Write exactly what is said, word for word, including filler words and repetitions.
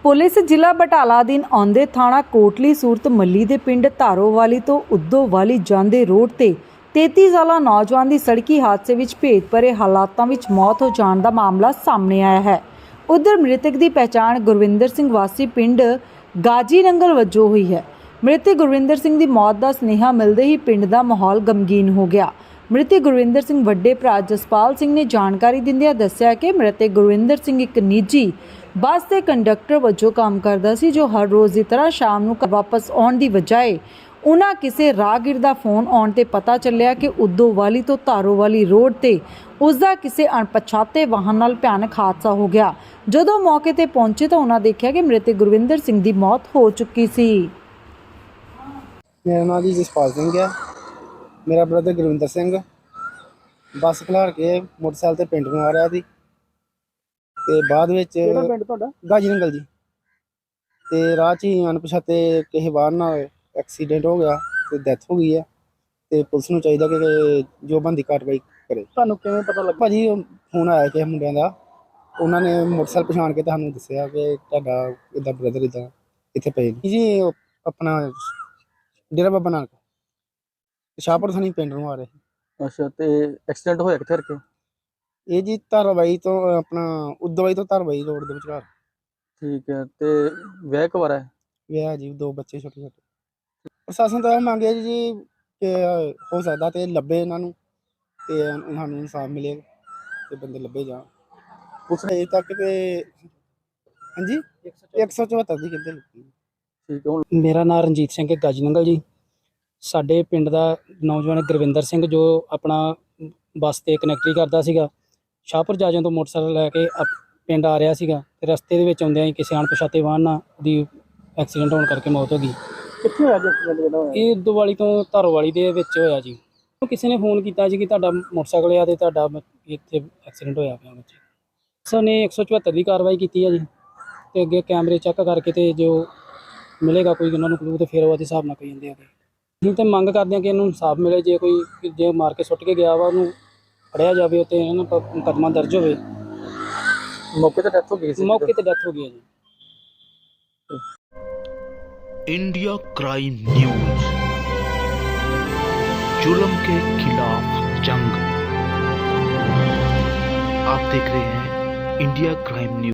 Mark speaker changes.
Speaker 1: Police ਜ਼ਿਲ੍ਹਾ ਬਟਾਲਾ ਅਧੀਨ ਆਉਂਦੇ ਥਾਣਾ ਕੋਟਲੀ ਸੂਰਤ ਮੱਲੀ ਦੇ ਪਿੰਡ ਧਾਰੋਵਾਲੀ ਤੋਂ ਉਦੋਵਾਲੀ ਜਾਂਦੇ ਰੋਡ ਤੇ ਤੇਤੀ ਸਾਲਾ ਨੌਜਵਾਨ ਦੀ ਸੜਕੀ ਹਾਦਸੇ ਵਿੱਚ ਭੇਦ ਭਰੇ ਹਾਲਾਤਾਂ ਵਿੱਚ ਮੌਤ ਹੋ ਜਾਣ ਦਾ ਮਾਮਲਾ ਸਾਹਮਣੇ ਆਇਆ ਹੈ। ਉਧਰ ਮ੍ਰਿਤਕ ਦੀ ਪਹਿਚਾਣ ਗੁਰਵਿੰਦਰ ਸਿੰਘ ਵਾਸੀ ਪਿੰਡ ਗਾਜੀ ਨੰਗਲ ਵਜੋਂ ਹੋਈ ਹੈ। ਮ੍ਰਿਤਕ ਗੁਰਵਿੰਦਰ ਸਿੰਘ ਦੀ ਮੌਤ ਦਾ ਸੁਨੇਹਾ ਮਿਲਦੇ ਹੀ ਪਿੰਡ ਦਾ ਮਾਹੌਲ ਗਮਗੀਨ ਹੋ ਗਿਆ। ਮ੍ਰਿਤਕ ਗੁਰਵਿੰਦਰ ਸਿੰਘ ਵੱਡੇ ਭਰਾ ਜਸਪਾਲ ਸਿੰਘ ਨੇ ਜਾਣਕਾਰੀ ਦਿੰਦਿਆਂ ਦੱਸਿਆ ਕਿ ਮ੍ਰਿਤਕ ਗੁਰਵਿੰਦਰ ਸਿੰਘ ਇੱਕ ਨਿੱਜੀ ਬੱਸ ਦੇ ਕੰਡਕਟਰ ਵਜੋਂ ਕੰਮ ਕਰਦਾ ਸੀ, ਜੋ ਹਰ ਰੋਜ਼ ਦੀ ਤਰ੍ਹਾਂ ਸ਼ਾਮ ਨੂੰ ਘਰ ਵਾਪਸ ਆਉਣ ਦੀ ਬਜਾਏ ਉਹਨਾਂ ਕਿਸੇ ਰਾਹਗੀਰ ਦਾ ਫੋਨ ਆਉਣ ਤੇ ਪਤਾ ਚੱਲਿਆ ਕਿ ਉਦੋਵਾਲੀ ਤੋਂ ਧਾਰੋਵਾਲੀ ਰੋਡ ਤੇ ਉਸ ਦਾ ਕਿਸੇ ਅਣਪਛਾਤੇ ਵਾਹਨ ਨਾਲ ਭਿਆਨਕ ਹਾਦਸਾ ਹੋ ਗਿਆ। ਜਦੋਂ ਮੌਕੇ ਤੇ ਪਹੁੰਚੇ ਤਾਂ ਉਹਨਾਂ ਦੇਖਿਆ ਕਿ ਮ੍ਰਿਤਕ ਗੁਰਵਿੰਦਰ ਸਿੰਘ ਦੀ ਮੌਤ ਹੋ ਚੁੱਕੀ ਸੀ।
Speaker 2: मेरा नाम जी जसपाल सिंह है। मेरा ब्रदर गुरविंदर सिंह बस खिलार के मोटरसाइकिल ते पिंड नूं आ रहा सी ते बाद विच
Speaker 3: ਕਿਹੜਾ ਪਿੰਡ ਤੁਹਾਡਾ?
Speaker 2: गाजी नंगल जी ते राह च ही अणपछाते किसी बाहर नाल एक्सीडेंट हो गया ते डेथ हो गई है ते पुलिस नूं चाहीदा कि जो बनदी कार्रवाई करे।
Speaker 3: ਤੁਹਾਨੂੰ ਕਿਵੇਂ ਪਤਾ ਲੱਗਾ?
Speaker 2: भाजी फोन आया कि मुंडियां दा, उन्हां ने मोटरसाइकिल पछाण के तुहानूं दस्सिया कि तुहाडा इदां ब्रदर इदां इत्थे पए ने जी। अपना डेरा बाबा नानक शाहपुर थानी पिंड नूं आ रहे।
Speaker 3: ਅੱਛਾ, ਤੇ ਐਕਸੀਡੈਂਟ ਹੋਇਆ ਕਿੱਥੇ ਕਰਕੇ?
Speaker 2: ਇਹ ਜੀ ਧਾਰਾਵਾਲੀ ਤੋਂ ਆਪਣਾ ਉਦੋਵਾਲੀ ਤੋਂ ਧਾਰਾਵਾਲੀ ਰੋਡ ਦੇ ਵਿਚਕਾਰ।
Speaker 3: ਠੀਕ ਹੈ, ਤੇ ਵਿਆਹ ਕਵਾਰਾ ਹੈ?
Speaker 2: ਵਿਆਹ ਜੀ, ਦੋ ਬੱਚੇ ਛੋਟੇ ਛੋਟੇ। ਪ੍ਰਸ਼ਾਸਨ ਤੋਂ ਇਹ ਮੰਗਿਆ ਜੀ ਕਿ ਹੋ ਸਕਦਾ ਤੇ ਲੱਭੇ ਇਹਨਾਂ ਨੂੰ ਤੇ ਉਹਨਾਂ ਨੂੰ ਇਨਸਾਫ ਮਿਲੇ ਤੇ ਬੰਦੇ ਲੱਭੇ ਜਾਣ। ਪੁਲਿਸ ਨੇ ਅਜੇ ਤੱਕ ਤੇ ਹਾਂਜੀ ਇੱਕ ਸੌ ਚੁਹੱਤਰ ਦੀ ਕਿੱਥੇ ਲੱਗੀ।
Speaker 3: ਠੀਕ ਹੈ। ਹੁਣ
Speaker 4: ਮੇਰਾ ਨਾਮ ਰਣਜੀਤ ਸਿੰਘ ਹੈ, ਗਾਜੀ ਨੰਗਲ ਜੀ। ਸਾਡੇ ਪਿੰਡ ਦਾ ਨੌਜਵਾਨ ਗੁਰਵਿੰਦਰ ਸਿੰਘ ਜੋ ਆਪਣਾ ਬੱਸ ਤੇ ਕਨੈਕਟਰੀ ਕਰਦਾ ਸੀਗਾ, ਸ਼ਾਹਪੁਰ ਜਾਜੋਂ ਤੋਂ ਮੋਟਰਸਾਈਕਲ ਲੈ ਕੇ ਅਪ- ਪਿੰਡ ਆ ਰਿਹਾ ਸੀਗਾ ਤੇ ਰਸਤੇ ਦੇ ਵਿੱਚ ਆਉਂਦਿਆਂ ਹੀ ਕਿਸੇ ਅਣਪਛਾਤੇ ਵਾਹਨ ਨਾਲ ਉਹਦੀ ਐਕਸੀਡੈਂਟ ਹੋਣ ਕਰਕੇ ਮੌਤ ਹੋ ਗਈ।
Speaker 3: ਕਿੱਥੇ ਹੋਇਆ ਜੀ ਐਕਸੀਡੈਂਟ ਜਿਹੜਾ ਹੋਇਆ?
Speaker 4: ਇਹ ਉਦੋਵਾਲੀ ਤੋਂ ਧਾਰੋਵਾਲੀ ਦੇ ਵਿੱਚ ਹੋਇਆ ਜੀ। ਕਿਸੇ ਨੇ ਫੋਨ ਕੀਤਾ ਜੀ ਕਿ ਤੁਹਾਡਾ ਮੋਟਰਸਾਈਕਲ ਆ ਤੇ ਤੁਹਾਡਾ ਬ- ਇੱਥੇ ਐਕਸੀਡੈਂਟ ਹੋਇਆ ਪਿਆ ਬੱਚੇ। ਸਰ ਨੇ ਇੱਕ ਸੌ ਚੁਹੱਤਰ ਦੀ ਕਾਰਵਾਈ ਕੀਤੀ ਹੈ ਜੀ ਤੇ ਅੱਗੇ ਕੈਮਰੇ ਚੈੱਕ ਕਰਕੇ ਤੇ ਜੋ ਮਿਲੇਗਾ ਕੋਈ ਉਹਨਾਂ ਨੂੰ ਕਲੂ ਤੇ ਫਿਰ ਉਹਦੇ ਹਿਸਾਬ ਨਾਲ ਕਹੀ ਜਾਂਦੇ ਆ। ਅਸੀਂ ਤਾਂ ਮੰਗ ਕਰਦੇ ਹਾਂ ਕਿ ਇਹਨੂੰ ਇਨਸਾਫ ਮਿਲੇ। ਜੇ ਕੋਈ ਜੇ ਮਾਰ ਕੇ ਸੁੱਟ ਕੇ ਗਿਆ ਵਾ ਉਹਨੂੰ ਫੜਿਆ ਜਾਵੇ ਤੇ ਇਹਨਾਂ ਨੂੰ ਮੁਕੱਦਮਾ ਦਰਜ ਹੋਵੇ।
Speaker 3: ਮੌਕੇ ਤੇ ਡੈਥ ਹੋ ਗਈ ਸੀ?
Speaker 4: ਮੌਕੇ ਤੇ ਡੈਥ ਹੋ ਗਈ ਹੈ ਜੀ।
Speaker 5: इंडिया क्राइम न्यूज, जुल्म के खिलाफ जंग। आप देख रहे हैं इंडिया क्राइम न्यूज।